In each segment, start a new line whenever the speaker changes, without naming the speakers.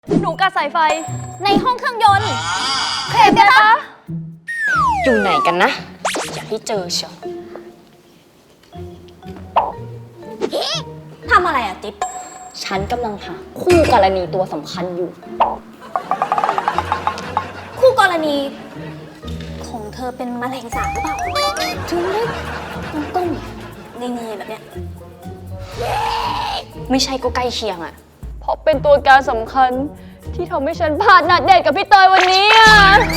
หนูกัดสายไฟ
ในห้องเครื่องยนต์เคลมได้ปะอยู่ไหนกันนะอย่าให้เจอเชียวทำอะไรอะติ๊บฉันกำลังหาคู่กรณีตัวสำคัญอยู่คู่กรณีของเธอเป็นแมลงสาบหรือเปล่าถึงได้ต้มๆเงยๆแบบเนี้ยไม่ใช่ก็ใกล้เคียงอะ
เพราะเป็นตัวการสำคัญที่ทำให้ฉันพลาดนัดเดทกับพี่เตยวันนี้อ่ะ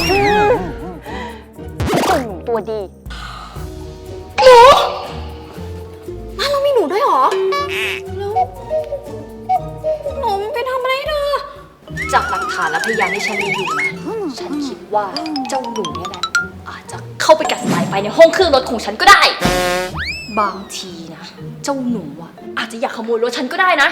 เจ้าหนูตัวดีหนูบ้านเรามีหนูด้วยเหรอแล้วหนูไปทำอะไรเธอจากหลักฐานและพยานที่ฉันมีอยู่นะฉันคิดว่าเจ้าหนูนี่แหละอาจจะเข้าไปกัดสายไฟในห้องเครื่องรถของฉันก็ได้บางทีนะเจ้าหนูอ่ะอาจจะอยากขโมยรถฉันก็ได้นะ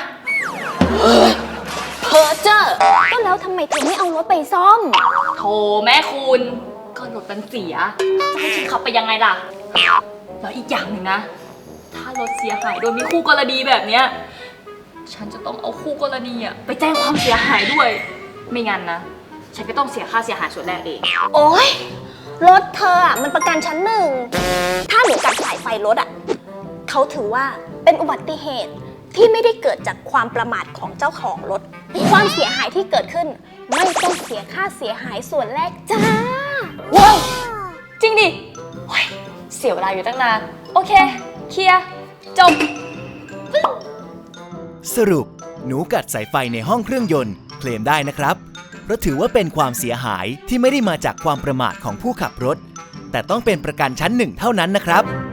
เพอเจอร์ก็แล้วทำไมเธอไม่เอารถไปซ่อมโธ่แม่คุณก็รถมันเสียจะให้ฉันขับไปยังไงล่ะแล้วอีกอย่างหนึ่งนะถ้ารถเสียหายโดยมีคู่กรณีแบบเนี้ยฉันจะต้องเอาคู่กรณีอะไปแจ้งความเสียหายด้วยไม่งั้นนะฉันก็ต้องเสียค่าเสียหายส่วนแรกเองโอ๊ยรถเธออะมันประกันชั้นหนึ่งถ้าหนูกัดสายไฟรถอะเขาถือว่าเป็นอุบัติเหตุที่ไม่ได้เกิดจากความประมาทของเจ้าของรถความเสียหายที่เกิดขึ้นไม่ต้องเสียค่าเสียหายส่วนแรกจ้าว้าวจริงดิเสียเวลาอยู่ตั้งนานโอเคเคลียร์จบ
สรุปหนูกัดสายไฟในห้องเครื่องยนต์เคลมได้นะครับเพราะถือว่าเป็นความเสียหายที่ไม่ได้มาจากความประมาทของผู้ขับรถแต่ต้องเป็นประกันชั้นหนึ่งเท่านั้นนะครับ